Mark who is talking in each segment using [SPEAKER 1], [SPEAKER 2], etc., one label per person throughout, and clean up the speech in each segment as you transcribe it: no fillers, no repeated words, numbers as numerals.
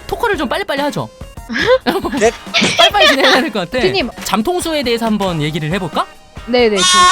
[SPEAKER 1] 토크를 좀 빨리빨리 하죠.
[SPEAKER 2] 네.
[SPEAKER 1] 빨리빨리 진행해야 될 것 같아.
[SPEAKER 3] 두디님.
[SPEAKER 1] 잠통수에 대해서 한번 얘기를 해볼까?
[SPEAKER 3] 네네.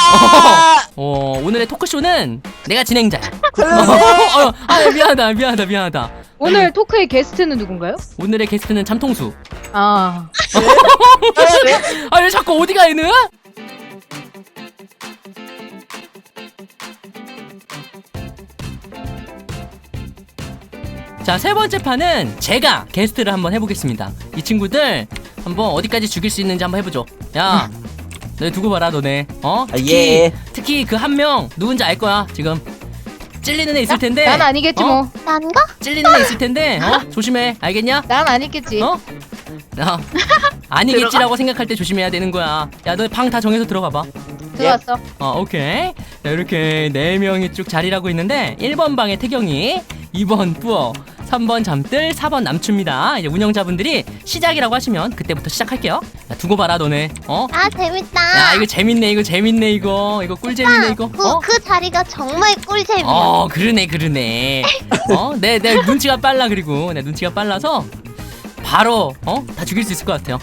[SPEAKER 1] 오늘의 토크쇼는 내가 진행자야.
[SPEAKER 2] 살려주세요.
[SPEAKER 1] 미안하다.
[SPEAKER 3] 오늘 토크의 게스트는 누군가요?
[SPEAKER 1] 오늘의 게스트는 잠통수.
[SPEAKER 3] 아.
[SPEAKER 1] 왜 자꾸 어디가 얘는? 자, 세 번째 판은 제가 게스트를 한번 해보겠습니다. 이 친구들 한번 어디까지 죽일 수 있는지 한번 해보죠. 야, 너네 두고 봐라, 너네. 특히 그 한 명 누군지 알 거야. 지금 찔리는 애 있을 텐데.
[SPEAKER 3] 난 아니겠지 뭐.
[SPEAKER 4] 난가?
[SPEAKER 1] 찔리는 애 있을 텐데. 조심해, 알겠냐?
[SPEAKER 3] 난 아니겠지.
[SPEAKER 1] 아니겠지라고 생각할 때 조심해야 되는 거야. 야, 너 방 다 정해서 들어가봐.
[SPEAKER 3] 들어왔어.
[SPEAKER 1] 오케이. 자, 이렇게 4명이 쭉 자리를 하고 있는데 1번 방에 태경이, 2번 뿌어, 3번 잠들, 4번 남추입니다. 이제 운영자분들이 시작이라고 하시면 그때부터 시작할게요. 야, 두고 봐라, 너네.
[SPEAKER 4] 아 재밌다.
[SPEAKER 1] 야, 이거 재밌네, 이거 꿀재밌네, 이거.
[SPEAKER 4] 그 자리가 정말 꿀잼이야.
[SPEAKER 1] 그러네. 내 눈치가 빨라. 그리고 내 눈치가 빨라서 바로 다 죽일 수 있을 것 같아요.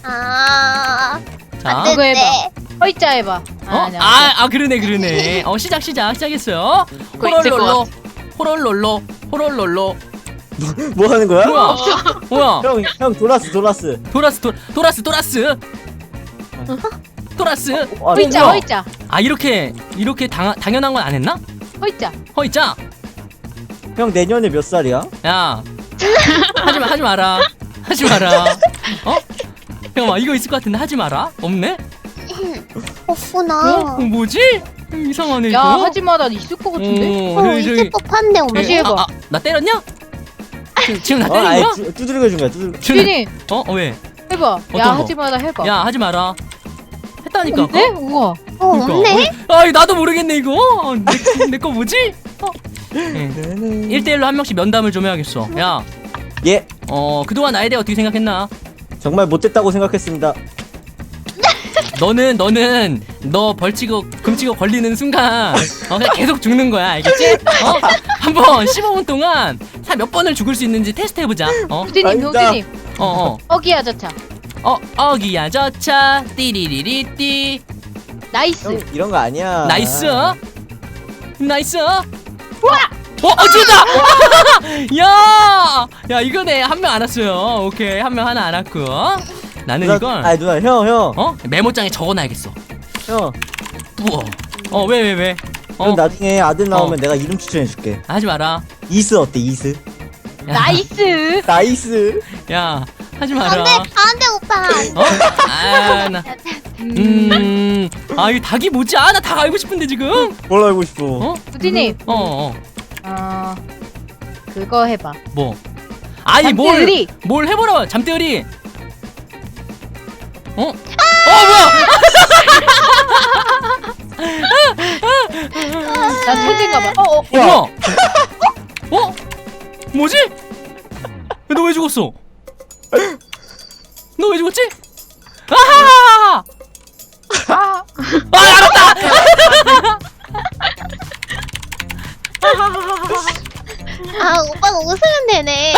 [SPEAKER 1] 자,
[SPEAKER 3] 그거 해봐. 허이자 해봐.
[SPEAKER 1] 그러네. 시작했어요. 호롤롤로.
[SPEAKER 2] 뭐 하는 거야?
[SPEAKER 1] 뭐야?
[SPEAKER 2] 형 도라스.
[SPEAKER 1] 도라스.
[SPEAKER 3] 허이자.
[SPEAKER 1] 이렇게 당연한 건 안 했나? 허이자.
[SPEAKER 2] 형 내년에 몇 살이야?
[SPEAKER 1] 야, 하지 마라. 잠깐만, 이거 있을 것 같은데 하지 마라. 없네?
[SPEAKER 4] 없구나.
[SPEAKER 1] 뭐지? 이상하네,
[SPEAKER 3] 야,
[SPEAKER 1] 이거.
[SPEAKER 3] 하지마. 난 있을 것 같은데.
[SPEAKER 4] 있을 법한데 오늘.
[SPEAKER 3] 다시 해봐.
[SPEAKER 1] 나 때렸냐? 지금 나 때린 거야?
[SPEAKER 2] 두드리고 준 거야.
[SPEAKER 3] 두디님.
[SPEAKER 1] 왜?
[SPEAKER 3] 해봐.
[SPEAKER 1] 어떤
[SPEAKER 3] 야,
[SPEAKER 1] 거?
[SPEAKER 3] 하지마. 나 해봐.
[SPEAKER 1] 야, 하지 마라. 했다니까.
[SPEAKER 3] 없네? 우와.
[SPEAKER 4] 없네?
[SPEAKER 1] 나도 모르겠네, 이거. 내 거 뭐지? 1대1로 한 명씩 면담을 좀 해야겠어. 야,
[SPEAKER 2] 예.
[SPEAKER 1] 그동안 나에 대해 어떻게 생각했나?
[SPEAKER 2] 정말 못됐다고 생각했습니다.
[SPEAKER 1] 너는 너 벌치고 금치고 걸리는 순간 그냥 계속 죽는 거야, 알겠지? 한번 15분 동안 몇 번을 죽을 수 있는지 테스트 해보자.
[SPEAKER 3] 두디님. 어기야 저차.
[SPEAKER 1] 어기야 저차 띠리리리띠.
[SPEAKER 3] 나이스.
[SPEAKER 2] 형 이런 거 아니야.
[SPEAKER 1] 나이스. 우와! 죽었다! 야, 이거네. 한 명 안 왔어요. 오케이, 한 명 하나 안 왔고. 나는 이걸.
[SPEAKER 2] 누나, 형.
[SPEAKER 1] 메모장에 적어놔야겠어.
[SPEAKER 2] 형.
[SPEAKER 1] 우와. 왜?
[SPEAKER 2] 그럼 나중에 아들 나오면 내가 이름 추천해줄게.
[SPEAKER 1] 하지 마라.
[SPEAKER 2] 이스 어때? 이스.
[SPEAKER 1] 야,
[SPEAKER 3] 나이스.
[SPEAKER 1] 야, 하지 마라.
[SPEAKER 4] 안돼 오빠.
[SPEAKER 1] 이 닭이 뭐지? 나 닭 알고 싶은데 지금.
[SPEAKER 2] 뭘 알고 싶어?
[SPEAKER 3] 두디님. 그거 해봐.
[SPEAKER 1] 뭐?
[SPEAKER 3] 잠들이.
[SPEAKER 1] 뭘 해보라. 잠들이. 뭐야?
[SPEAKER 3] 나 천재인가봐.
[SPEAKER 1] 뭐야? 뭐지? 너 왜 죽었어? 너 왜 죽었지? 아하하하! 알았다!
[SPEAKER 4] 오빠가 웃으면 되네.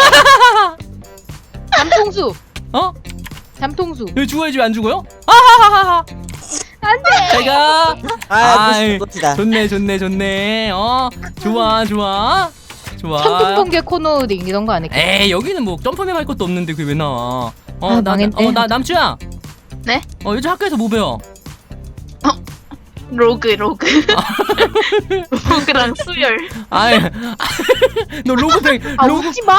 [SPEAKER 3] 잠통수.
[SPEAKER 4] 잠통수.
[SPEAKER 1] 여기 죽어야지 왜 안 죽어요? 아하하하!
[SPEAKER 4] 안돼.
[SPEAKER 1] 제가
[SPEAKER 2] 멋지다.
[SPEAKER 1] 좋네. 좋아.
[SPEAKER 3] 천둥번개 코너링 이런 거 안 했겠지?
[SPEAKER 1] 에이, 여기는 뭐 점프맨 할 것도 없는데 그게 왜 나와?
[SPEAKER 3] 망했네.
[SPEAKER 1] 남주야.
[SPEAKER 5] 네?
[SPEAKER 1] 요즘 학교에서 뭐 배워?
[SPEAKER 5] 로그 로그랑 수열.
[SPEAKER 1] 너 로그
[SPEAKER 3] 웃지 마.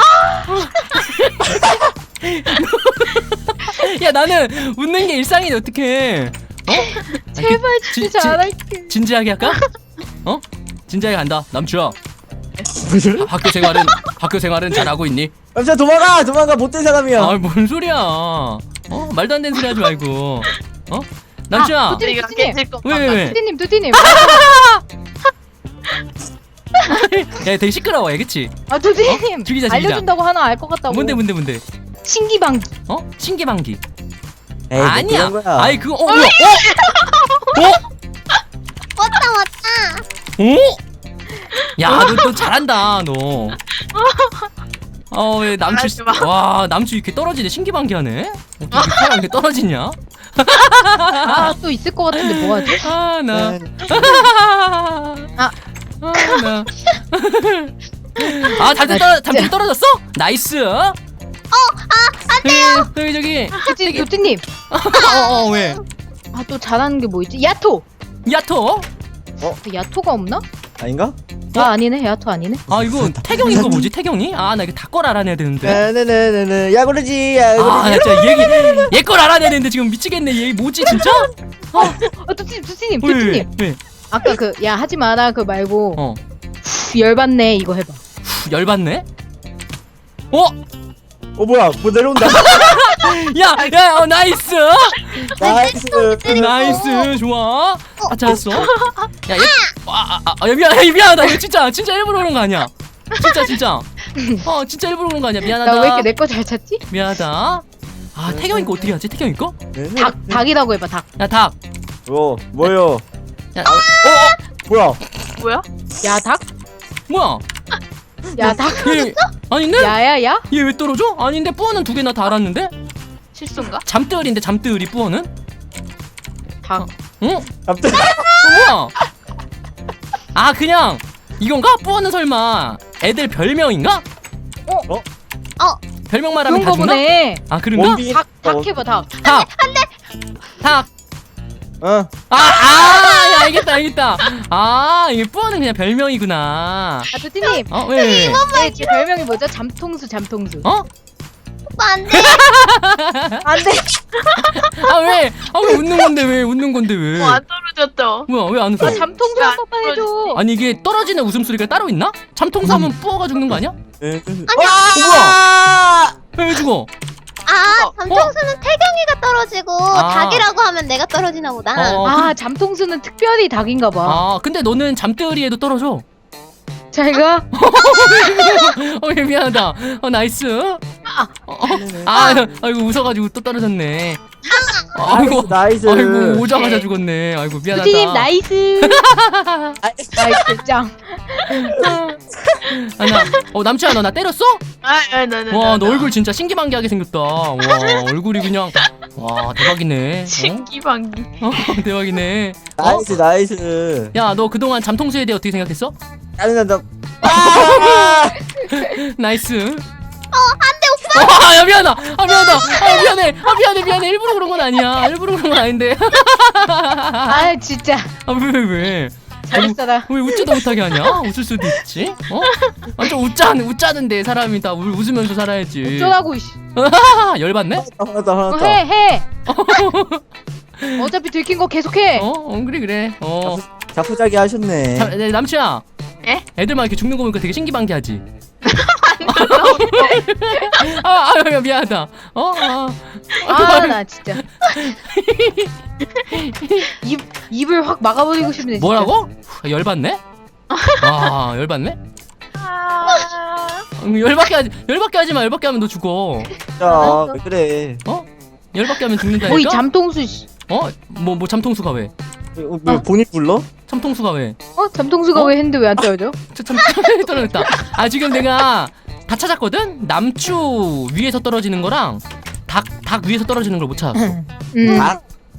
[SPEAKER 1] 야, 나는 웃는 게 일상인데 어떡해?
[SPEAKER 3] 제발 진짜 안 할게.
[SPEAKER 1] 진지하게 할까? 진지하게 간다. 남주야. 학교 생활은 잘하고 있니?
[SPEAKER 2] 남자 도망가 못된 사람이야.
[SPEAKER 1] 뭔 소리야? 말도 안 되는 소리 하지 말고. 남주야.
[SPEAKER 5] 내가 깨질 것 같아.
[SPEAKER 1] 왜?
[SPEAKER 3] 두디님.
[SPEAKER 1] 야, 되게 시끄러워, 그치?
[SPEAKER 3] 두디님.
[SPEAKER 1] 죽이자.
[SPEAKER 3] 알려준다고 하나 알 것 같다고.
[SPEAKER 1] 뭔데?
[SPEAKER 3] 신기방기.
[SPEAKER 1] 신기방기.
[SPEAKER 2] 에이,
[SPEAKER 1] 아니야.
[SPEAKER 2] 그런 거야.
[SPEAKER 1] 그거 뭐야?
[SPEAKER 4] 왔다.
[SPEAKER 1] 야, 너 잘한다, 너. 왜 남주
[SPEAKER 5] 말하지 마.
[SPEAKER 1] 와 남주 이렇게 떨어지네. 신기방기하네. 어떻게 사람 이렇게 떨어지냐?
[SPEAKER 3] 아 또 있을 것 같은데 뭐하지?
[SPEAKER 1] 나.
[SPEAKER 3] 아.
[SPEAKER 1] 나. 잠들 떨어졌어? 나이스. 안 돼요. 저기.
[SPEAKER 3] 도티님.
[SPEAKER 1] 왜?
[SPEAKER 3] 아 또 잘하는 게 뭐 있지? 야토.
[SPEAKER 1] 야토?
[SPEAKER 3] 야토가 없나?
[SPEAKER 2] 아닌가?
[SPEAKER 3] 아 아니네 야토 아니네.
[SPEAKER 1] 아 이거 태경이 거 뭐지? 태경이? 아 나 이거 다 걸 알아내야 되는데.
[SPEAKER 2] 네네네네. 야구르지
[SPEAKER 1] 아,
[SPEAKER 2] 야구르지.
[SPEAKER 1] 나 진짜 얘 걸 알아내야 되는데 지금 미치겠네. 얘 뭐지 진짜?
[SPEAKER 3] 도티님
[SPEAKER 1] 왜?
[SPEAKER 3] 아까 그 야 하지 마라 그 말고
[SPEAKER 1] 어.
[SPEAKER 3] 열받네 이거 해봐.
[SPEAKER 1] 열받네?
[SPEAKER 2] 뭐야? 뭐 내려온다.
[SPEAKER 1] 야, 나이스!
[SPEAKER 2] 나이스.
[SPEAKER 1] 나이스, 좋아. 잘했어. 야, 미안하다. 이거 진짜 일부러 그런 거 아니야. 진짜. 진짜 일부러 그런 거 아니야. 미안하다.
[SPEAKER 3] 나 왜 이렇게 내 거 잘 찾지?
[SPEAKER 1] 미안하다. 태경이 거 어떻게 하지? 태경이 거?
[SPEAKER 3] 닭이라고 해봐 닭.
[SPEAKER 1] 야, 닭.
[SPEAKER 2] 뭐요?
[SPEAKER 1] 야,
[SPEAKER 2] 뭐야?
[SPEAKER 5] 뭐야?
[SPEAKER 3] 야 닭?
[SPEAKER 1] 뭐야?
[SPEAKER 3] 야 닭.
[SPEAKER 1] 아닌데?
[SPEAKER 3] 야야야?
[SPEAKER 1] 얘 왜 떨어져? 아닌데, 뿌어는 2개나 다 알았는데?
[SPEAKER 5] 실수인가?
[SPEAKER 1] 잠들인데, 잠들이 뿌어는?
[SPEAKER 3] 닭.
[SPEAKER 1] 응?
[SPEAKER 2] 갑자기.
[SPEAKER 1] 뭐야? 그냥 이건가? 뿌어는 설마 애들 별명인가? 별명 말하면
[SPEAKER 3] 그런
[SPEAKER 1] 다
[SPEAKER 3] 거
[SPEAKER 1] 주나?
[SPEAKER 3] 보네.
[SPEAKER 1] 그런가?
[SPEAKER 2] 원빈.
[SPEAKER 3] 닭 해봐 닭.
[SPEAKER 1] 닭. 알겠다. 이게 뿌어는 그냥 별명이구나.
[SPEAKER 3] 도티님.
[SPEAKER 1] 왜?
[SPEAKER 3] 제 별명이 뭐죠? 잠통수.
[SPEAKER 4] 오빠 안 돼.
[SPEAKER 3] 안돼.
[SPEAKER 1] 왜? 왜 웃는 건데 왜?
[SPEAKER 5] 안 떨어졌죠?
[SPEAKER 1] 뭐야, 왜 안 웃어?
[SPEAKER 3] 잠통수 한 번만 해줘.
[SPEAKER 1] 아니, 이게 떨어지는 웃음소리가 따로 있나? 잠통수하면 뿌어가 죽는 거 아니야?
[SPEAKER 2] 아!
[SPEAKER 1] 왜 죽어?
[SPEAKER 4] 잠통수는 태경이가 떨어지고 닭이라고 하면 내가 떨어지나 보다.
[SPEAKER 3] 잠통수는 특별히 닭인가 봐.
[SPEAKER 1] 근데 너는 잠들이에도 떨어져.
[SPEAKER 3] 잘 가.
[SPEAKER 1] 미안하다. 나이스. 아이고 웃어가지고 또 떨어졌네.
[SPEAKER 2] 나이스.
[SPEAKER 1] 아이고 오자마자 죽었네. 아이고 미안하다.
[SPEAKER 3] 도티님 나이스. 나이스 짱.
[SPEAKER 1] 남친아 너 나 때렸어? 와 너 얼굴 진짜 신기방기하게 생겼다. 와 얼굴이 그냥 와 대박이네.
[SPEAKER 5] 신기방기.
[SPEAKER 1] 대박이네.
[SPEAKER 2] 나이스.
[SPEAKER 1] 야 너 그동안 잠통수에 대해 어떻게 생각했어?
[SPEAKER 2] 나.
[SPEAKER 1] 나이스. 안돼 오빠. 야 미안하다. 미안해. 일부러 그런 건 아니야. 일부러 그런 건 아닌데.
[SPEAKER 3] 진짜.
[SPEAKER 1] 왜?
[SPEAKER 3] 잘했어라.
[SPEAKER 1] 왜 웃지도 못하게 하냐? 웃을 수도 있지. 완전 웃자는데 사람이 다 웃으면서 살아야지.
[SPEAKER 3] 어쩌라고.
[SPEAKER 1] 열받네?
[SPEAKER 2] 화났다.
[SPEAKER 3] 해. 어차피 들킨 거 계속해.
[SPEAKER 1] 그래.
[SPEAKER 2] 자포자기 하셨네.
[SPEAKER 1] 남친아.
[SPEAKER 5] 에?
[SPEAKER 1] 애들만 이렇게 죽는 거 보니까 되게 신기방기하지. 미안하다.
[SPEAKER 3] 나 진짜. 입을 확 막아버리고 싶네. 진짜.
[SPEAKER 1] 뭐라고? 열받네? 열받네? 열받게 하지 마. 열받게 하면 너 죽어.
[SPEAKER 2] 야, 왜 그래?
[SPEAKER 1] 열받게 하면 죽는다니까?
[SPEAKER 3] 뭐이 잠통수 씨.
[SPEAKER 1] 뭐 잠통수가 왜?
[SPEAKER 2] 왜 본인 불러?
[SPEAKER 1] 잠통수가 왜?
[SPEAKER 3] 잠통수가 왜 했는데 왜 안 떨어져?
[SPEAKER 1] 떨어졌다. 지금 내가 다 찾았거든? 남추 위에서 떨어지는 거랑 닭 위에서 떨어지는 걸 못 찾았어.
[SPEAKER 2] 닭?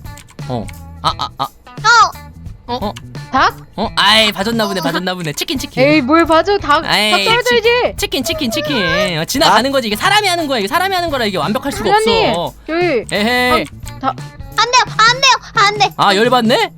[SPEAKER 3] 닭?
[SPEAKER 1] 봐줬나 보네. 치킨.
[SPEAKER 3] 에이 뭘 봐줘 닭
[SPEAKER 1] 에이,
[SPEAKER 3] 떨어져야지.
[SPEAKER 1] 치킨. 지나가는 거지. 이게 사람이 하는 거야. 이게 사람이 하는 거라 이게 완벽할 수가
[SPEAKER 3] 사장님,
[SPEAKER 1] 없어.
[SPEAKER 3] 저희
[SPEAKER 1] 에헤이.
[SPEAKER 4] 안 돼요.
[SPEAKER 1] 열받네?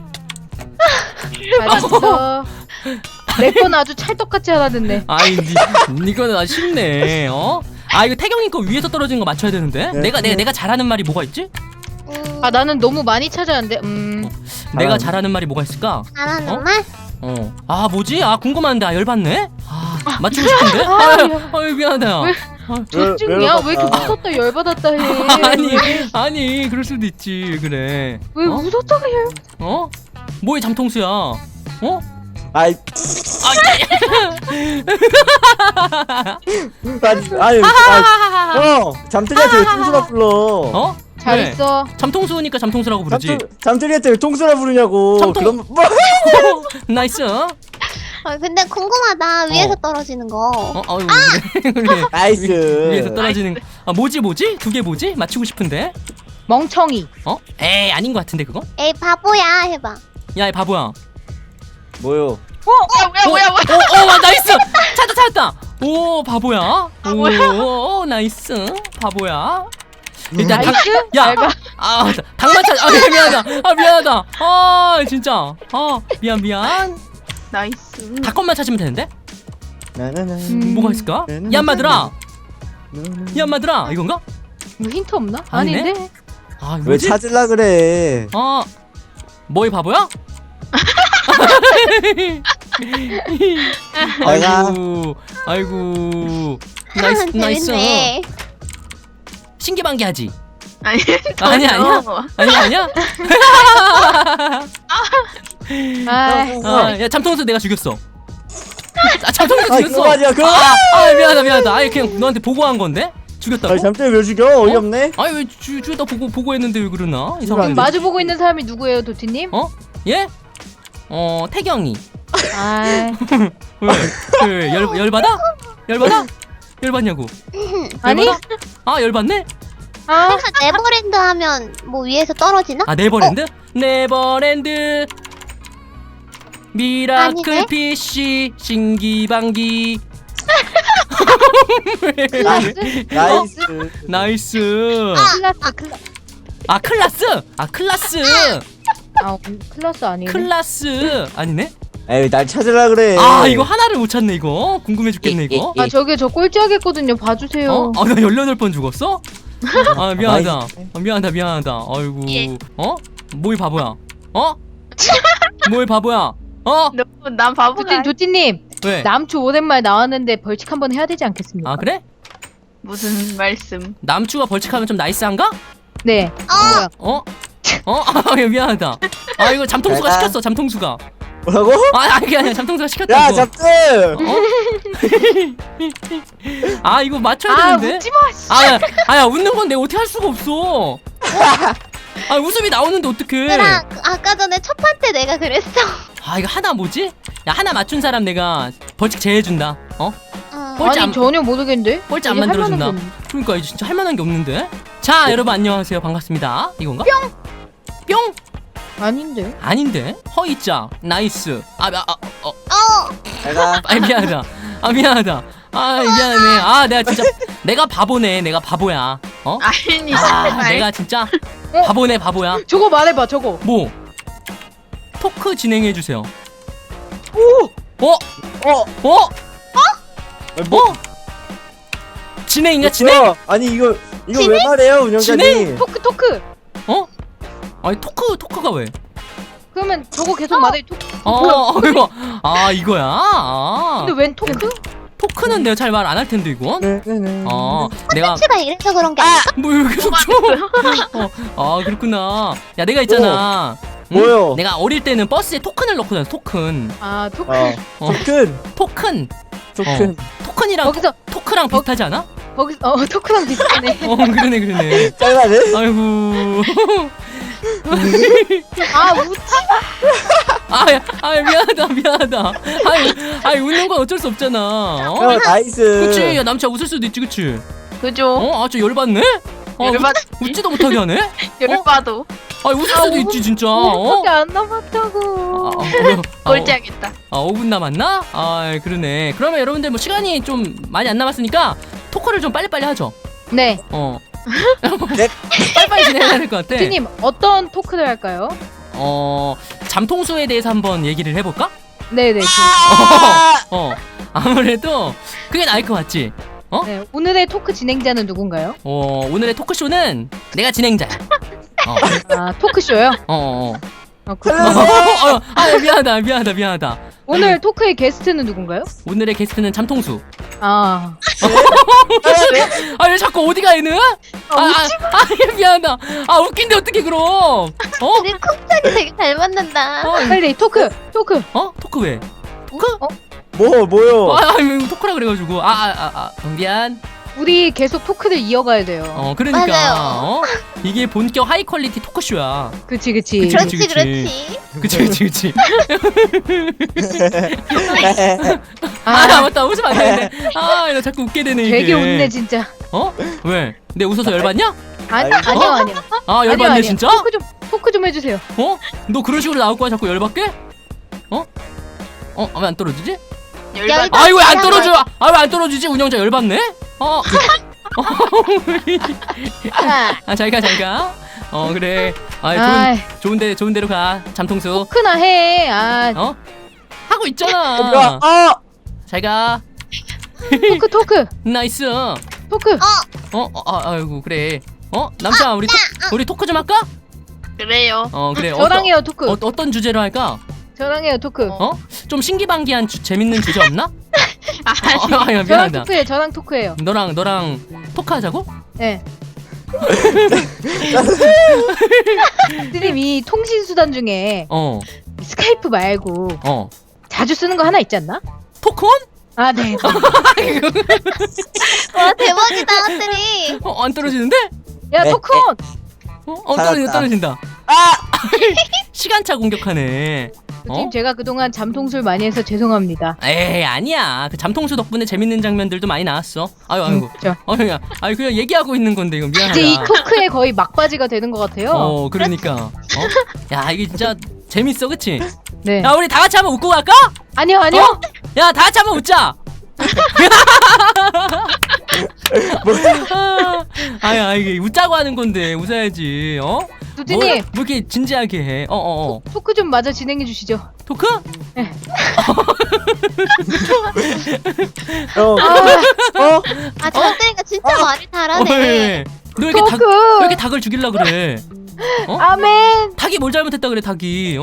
[SPEAKER 3] 잘했어. 내 건 아주 찰떡같이 하나 듣네.
[SPEAKER 1] 이거는 아주 쉽네. 이거 태경이 거 위에서 떨어진 거 맞춰야 되는데. 내가 잘하는 말이 뭐가 있지?
[SPEAKER 3] 나는 너무 많이 찾아왔는데.
[SPEAKER 1] 내가 잘하는 말이 뭐가 있을까?
[SPEAKER 4] 잘하는 말?
[SPEAKER 1] 뭐지? 궁금한데. 열받네? 맞추고 싶은데? 미안하다.
[SPEAKER 3] 존중이야? 왜 이렇게 웃었다 열받았다 해?
[SPEAKER 1] 아니 그럴 수도 있지. 그래.
[SPEAKER 3] 왜 웃었다가
[SPEAKER 1] 뭐의 잠통수야?
[SPEAKER 2] 잠들이한테 왜 통수라 불러?
[SPEAKER 3] 잘했어.
[SPEAKER 1] 잠통수니까 잠통수라고 부르지.
[SPEAKER 2] 잠들이한테 왜 통수라 부르냐고.
[SPEAKER 1] 잠통-
[SPEAKER 2] 그럼
[SPEAKER 1] 나이스.
[SPEAKER 4] 근데 궁금하다. 위에서 떨어지는 거.
[SPEAKER 1] 그래.
[SPEAKER 2] 나이스.
[SPEAKER 1] 위에서 떨어지는. 뭐지? 두 개 뭐지? 맞추고 싶은데.
[SPEAKER 3] 멍청이.
[SPEAKER 1] 에이 아닌 것 같은데 그거?
[SPEAKER 4] 에이 바보야 해봐.
[SPEAKER 1] 야 이 바보야.
[SPEAKER 2] 뭐요?
[SPEAKER 5] 뭐야.
[SPEAKER 1] 나이스. 찾았다. 오 바보야. 오 나이스. 바보야. 일단
[SPEAKER 3] 나이스?
[SPEAKER 1] 야. 닭만 찾. 미안하다. 진짜. 미안.
[SPEAKER 5] 나이스.
[SPEAKER 1] 닭것만 찾으면 되는데?
[SPEAKER 2] 나나나.
[SPEAKER 1] 뭐가 있을까? 얌마들아. 이건가?
[SPEAKER 3] 뭐 힌트 없나?
[SPEAKER 1] 아니네?
[SPEAKER 3] 아닌데?
[SPEAKER 1] 이거
[SPEAKER 2] 왜
[SPEAKER 1] 뭐지?
[SPEAKER 2] 찾으려 그래?
[SPEAKER 1] 뭐이 바보야?
[SPEAKER 2] 내가
[SPEAKER 1] 아이고. 나이스.
[SPEAKER 4] 재밌네.
[SPEAKER 1] 신기반기하지?
[SPEAKER 5] 아니야.
[SPEAKER 1] 아니야?
[SPEAKER 3] 아,
[SPEAKER 1] 야 잠통수 내가 죽였어. 잠통수
[SPEAKER 2] 아
[SPEAKER 1] 죽였어.
[SPEAKER 2] 그거 아니야 그거.
[SPEAKER 1] 미안하다. 그냥 너한테 보고한 건데 죽였다고?
[SPEAKER 2] 아니 잠들 왜 죽여? 어이없네.
[SPEAKER 1] 왜 죽였다 보고했는데 왜 그러나?
[SPEAKER 2] 안
[SPEAKER 3] 지금
[SPEAKER 2] 돼.
[SPEAKER 3] 마주보고 있는 사람이 누구예요, 도티님?
[SPEAKER 1] 예? 태경이.
[SPEAKER 3] 아,
[SPEAKER 1] 왜 열받아? 열받냐고?
[SPEAKER 3] 아니?
[SPEAKER 1] 열받네?
[SPEAKER 4] 그래서 네버랜드 하면 뭐 위에서 떨어지나?
[SPEAKER 1] 네버랜드? 네버랜드 미라클
[SPEAKER 4] 아니네?
[SPEAKER 1] PC 신기방기.
[SPEAKER 2] 나이스.
[SPEAKER 1] 나이스.
[SPEAKER 3] 클라스.
[SPEAKER 1] 클라스.
[SPEAKER 3] 클라스 아니네.
[SPEAKER 1] 클라스 아니네?
[SPEAKER 2] 에이 날 찾으려 그래.
[SPEAKER 1] 이거 하나를 못 찾네 이거. 궁금해 죽겠네 이거.
[SPEAKER 3] 저기 저 꼴찌하겠거든요. 봐주세요.
[SPEAKER 1] 나 18번 죽었어? 미안하다. 미안하다. 아이고. 뭐이 바보야? 뭐이 바보야?
[SPEAKER 5] 난 바보가.
[SPEAKER 3] 도티님,
[SPEAKER 1] 왜?
[SPEAKER 3] 남초 오랜만에 나왔는데 벌칙 한번 해야 되지 않겠습니까?
[SPEAKER 1] 그래?
[SPEAKER 5] 무슨 말씀?
[SPEAKER 1] 남추가 벌칙하면 좀 나이스한가?
[SPEAKER 3] 네.
[SPEAKER 1] 미안하다. 이거 잠통수가
[SPEAKER 2] 내가-
[SPEAKER 1] 시켰어. 잠통수가.
[SPEAKER 2] 뭐라고?
[SPEAKER 1] 그게 아니야. 잠통수가 시켰다고.
[SPEAKER 2] 야 잠들.
[SPEAKER 1] 이거 맞춰야 되는데.
[SPEAKER 3] 웃지 마.
[SPEAKER 1] 야 웃는 건 내가 어떻게 할 수가 없어. 웃음이 나오는데 어떡해.
[SPEAKER 4] 얘들아 아까 전에 첫 판 때 내가 그랬어.
[SPEAKER 1] 이거 하나 뭐지? 야 하나 맞춘 사람 내가 벌칙 제해준다. 꼴찌
[SPEAKER 3] 아니
[SPEAKER 1] 안-
[SPEAKER 3] 전혀 모르겠는데.
[SPEAKER 1] 꼴찌 안
[SPEAKER 3] 이제 할
[SPEAKER 1] 만들어준다.
[SPEAKER 3] 만한 게 없네.
[SPEAKER 1] 그러니까 이제 진짜 할 만한 게 없는데. 자 여러분 안녕하세요. 반갑습니다. 이건가? 뿅.
[SPEAKER 3] 아닌데.
[SPEAKER 1] 아닌데. 허이자. 나이스.
[SPEAKER 2] 내가
[SPEAKER 1] 미안하다. 미안하다. 미안하네. 내가 바보네. 내가 바보야.
[SPEAKER 5] 아니.
[SPEAKER 1] 내가 진짜 바보네 바보야.
[SPEAKER 3] 저거 말해봐. 저거.
[SPEAKER 1] 뭐? 토크 진행해 주세요.
[SPEAKER 2] 뭐?
[SPEAKER 1] 진행인가 진행?
[SPEAKER 2] 뭐야? 아니 이거 왜 말해요 운영자님?
[SPEAKER 3] 토크.
[SPEAKER 1] 아니 토크가 왜?
[SPEAKER 3] 그러면 저거 계속 말해. 토크.
[SPEAKER 1] 이거 이거야.
[SPEAKER 3] 근데 웬 토크?
[SPEAKER 1] 토크는 내가 잘 말 안 할 텐데 이건. 내가
[SPEAKER 4] 콘텐츠가 이래서 그런 게 아닐까?
[SPEAKER 1] 왜 계속 줘? 그렇구나. 야 내가 있잖아.
[SPEAKER 2] 뭐요?
[SPEAKER 1] 내가 어릴 때는 버스에 토큰을 넣고 다녔어. 토큰.
[SPEAKER 3] 토크.
[SPEAKER 2] 토큰.
[SPEAKER 1] 토큰. 토큰이랑
[SPEAKER 3] 거기서
[SPEAKER 1] 토크랑 비슷하지 않아?
[SPEAKER 3] 거기서 토크랑 비슷하네.
[SPEAKER 1] 그러네.
[SPEAKER 2] 짤만해?
[SPEAKER 1] 아이고.
[SPEAKER 3] 웃지.
[SPEAKER 1] 미안하다. 웃는 건 어쩔 수 없잖아.
[SPEAKER 2] 나이스.
[SPEAKER 1] 그치. 야 남자 웃을 수도 있지, 그치?
[SPEAKER 5] 그죠?
[SPEAKER 1] 저 열받네? 웃지도 못하게 하네?
[SPEAKER 5] 열받도.
[SPEAKER 1] 웃을 수도 있지, 진짜.
[SPEAKER 3] 5분밖에 안 남았다고.
[SPEAKER 5] 꼴찌하겠다.
[SPEAKER 1] 5분 남았나? 그러네. 그러면 여러분들 뭐 시간이 좀 많이 안 남았으니까 토크를 좀 빨리빨리 하죠.
[SPEAKER 3] 네.
[SPEAKER 2] 네.
[SPEAKER 1] 빨리빨리 진행해야 될 것 같아.
[SPEAKER 3] 도티님 어떤 토크를 할까요?
[SPEAKER 1] 잠통수에 대해서 한번 얘기를 해볼까?
[SPEAKER 3] 네네.
[SPEAKER 1] 아무래도 그게 나을 것 같지?
[SPEAKER 3] 네. 오늘의 토크 진행자는 누군가요?
[SPEAKER 1] 오늘의 토크쇼는 내가 진행자야.
[SPEAKER 3] 토크쇼요?
[SPEAKER 1] 미안하다.
[SPEAKER 3] 오늘 토크의 게스트는 누군가요?
[SPEAKER 1] 오늘의 게스트는 잠통수. 왜 자꾸 어디가 얘는? 미안하다. 웃긴데 어떻게 그럼?
[SPEAKER 4] 우리 쿵짝이 되게 잘 맞는다.
[SPEAKER 3] 빨리 토크.
[SPEAKER 1] 토크 왜? 토크?
[SPEAKER 2] 뭐요?
[SPEAKER 1] 토크라 그래가지고 미안.
[SPEAKER 3] 우리 계속 토크를 이어가야 돼요.
[SPEAKER 1] 그러니까
[SPEAKER 4] 맞아요.
[SPEAKER 1] 이게 본격 하이 퀄리티 토크쇼야.
[SPEAKER 3] 그치 그치.
[SPEAKER 1] 그치.
[SPEAKER 4] 그렇지
[SPEAKER 1] 그치.
[SPEAKER 4] 그렇지.
[SPEAKER 1] 그치.
[SPEAKER 3] 아,
[SPEAKER 1] 맞다, 웃으면 안 되는데. 나 자꾸 웃게 되네 이게.
[SPEAKER 3] 되게 웃네 진짜.
[SPEAKER 1] 왜? 내 웃어서 열받냐?
[SPEAKER 3] 아니요.
[SPEAKER 1] 열받네
[SPEAKER 3] 아니요.
[SPEAKER 1] 진짜?
[SPEAKER 3] 토크 좀 해주세요.
[SPEAKER 1] 너 그런 식으로 나올 거야 자꾸 열받게? 왜 안 떨어지지?
[SPEAKER 5] 열받.
[SPEAKER 1] 왜 안 떨어져? 왜 안 떨어지지? 운영자 열받네? 잘가. 그래. 좋은 데로 가. 잠통수.
[SPEAKER 3] 토크나 해.
[SPEAKER 1] 하고 있잖아. 잘가.
[SPEAKER 3] 토크.
[SPEAKER 1] 나이스.
[SPEAKER 3] 토크.
[SPEAKER 1] 아이고 그래. 남자 우리 토크 좀 할까?
[SPEAKER 5] 그래요.
[SPEAKER 1] 그래.
[SPEAKER 3] 저랑 해요 토크.
[SPEAKER 1] 어떤 주제로 할까?
[SPEAKER 3] 저랑 해요 토크.
[SPEAKER 1] 좀 신기방기한 재밌는 주제 없나?
[SPEAKER 5] 아니.
[SPEAKER 1] 미안하다.
[SPEAKER 3] 저랑 토크해요.
[SPEAKER 1] 너랑 토크하자고?
[SPEAKER 3] 네. 이 통신 수단 중에 스카이프 말고 자주 쓰는 거 하나 있지 않나?
[SPEAKER 1] 토크온?
[SPEAKER 3] 네.
[SPEAKER 4] 와 대박이다 하트리.
[SPEAKER 1] 안 떨어지는데?
[SPEAKER 3] 야
[SPEAKER 2] 네.
[SPEAKER 3] 토크온.
[SPEAKER 1] 떨어진다. 시간차 공격하네.
[SPEAKER 3] 팀 제가 그동안 잠통술 많이 해서 죄송합니다.
[SPEAKER 1] 에이 아니야. 그 잠통수 덕분에 재밌는 장면들도 많이 나왔어. 아이고.
[SPEAKER 3] 자,
[SPEAKER 1] 그냥 얘기하고 있는 건데 이거 미안하다.
[SPEAKER 3] 이제 이 토크의 거의 막바지가 되는 것 같아요.
[SPEAKER 1] 그러니까. 야 이게 진짜 재밌어, 그치?
[SPEAKER 3] 네.
[SPEAKER 1] 야 우리 다 같이 한번 웃고 갈까?
[SPEAKER 3] 아니요.
[SPEAKER 1] 야 다 같이 한번 웃자. 이게 웃자고 하는 건데 웃어야지.
[SPEAKER 3] 두디님
[SPEAKER 1] 뭐 이렇게 진지하게 해.
[SPEAKER 3] 토크 좀 마저 진행해 주시죠.
[SPEAKER 1] 토크?
[SPEAKER 3] 네.
[SPEAKER 4] 저때가 진짜 말이 잘하네.
[SPEAKER 1] 왜 이렇게
[SPEAKER 3] 토크.
[SPEAKER 1] 왜 이렇게 닭을 죽일라 그래?
[SPEAKER 3] 아멘.
[SPEAKER 1] 닭이 뭘 잘못했다 그래 닭이?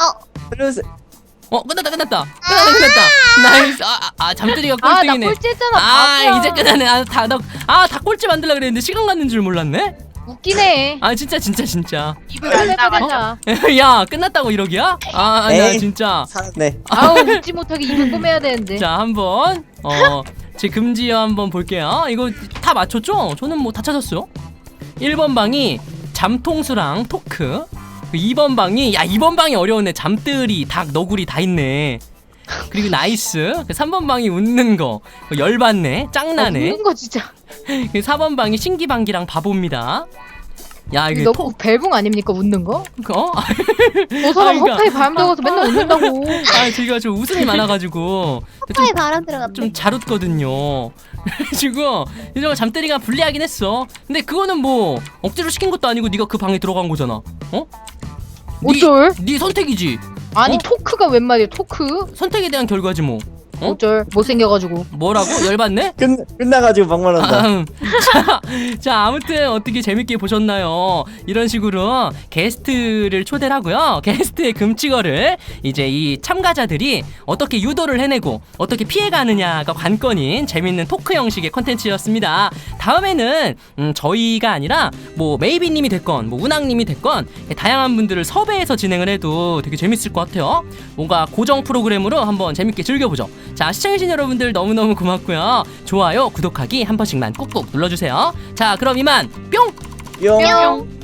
[SPEAKER 1] 끝났다. 나이스. 잠들이가
[SPEAKER 3] 나
[SPEAKER 1] 꼴등이네.
[SPEAKER 3] 꼴찌했잖아. 바보야.
[SPEAKER 1] 이제 끝나네. 닭 꼴찌 만들라 그랬는데 시간 갔는 줄 몰랐네.
[SPEAKER 3] 웃기네.
[SPEAKER 1] 진짜.
[SPEAKER 3] 입을 안 나가자.
[SPEAKER 1] 야 끝났다고 이러기야? 나
[SPEAKER 2] 에이.
[SPEAKER 1] 진짜.
[SPEAKER 2] 네.
[SPEAKER 3] 아우 웃지 못하게 입을 꼬매야 되는데.
[SPEAKER 1] 자 한번 제 금지어 한번 볼게요. 이거 다 맞췄죠? 저는 뭐 다 찾았어요. 1번 방이 잠통수랑 토크. 2번 방이 2번 방이 어려웠네. 잠들이, 닭, 너구리 다 있네. 그리고 나이스. 3번 방이 웃는 거. 열받네. 짱나네.
[SPEAKER 3] 웃는 거 진짜.
[SPEAKER 1] 4번 방이 신기방기랑 바보입니다. 야 이게
[SPEAKER 3] 너 벨붕 아닙니까 웃는 거? 저
[SPEAKER 1] 그러니까.
[SPEAKER 3] 사람 허파에 바람 들어가서 맨날 웃는다고.
[SPEAKER 1] 제가 좀 웃음이 많아가지고
[SPEAKER 4] 허파에 바람 들어갔네.
[SPEAKER 1] 좀 잘 웃거든요. 그래가지고 이제 잠들이가 불리하긴 했어. 근데 그거는 뭐 억지로 시킨 것도 아니고 네가 그 방에 들어간 거잖아.
[SPEAKER 3] 어쩔?
[SPEAKER 1] 네 선택이지.
[SPEAKER 3] 아니 토크가 웬 말이야 토크?
[SPEAKER 1] 선택에 대한 결과지 뭐.
[SPEAKER 3] 어쩔? 못생겨가지고.
[SPEAKER 1] 뭐라고? 열받네?
[SPEAKER 2] 끝나가지고 막말한다.
[SPEAKER 1] 자 아무튼 어떻게 재밌게 보셨나요? 이런 식으로 게스트를 초대를 하고요. 게스트의 금치거를 이제 이 참가자들이 어떻게 유도를 해내고 어떻게 피해가느냐가 관건인 재밌는 토크 형식의 컨텐츠였습니다. 다음에는 저희가 아니라 뭐 메이비님이 됐건 뭐 운항님이 됐건 다양한 분들을 섭외해서 진행을 해도 되게 재밌을 것 같아요. 뭔가 고정 프로그램으로 한번 재밌게 즐겨보죠. 자 시청해주신 여러분들 너무너무 고맙고요. 좋아요 구독하기 한 번씩만 꾹꾹 눌러주세요. 자 그럼 이만 뿅.
[SPEAKER 2] 뿅.
[SPEAKER 5] 뿅.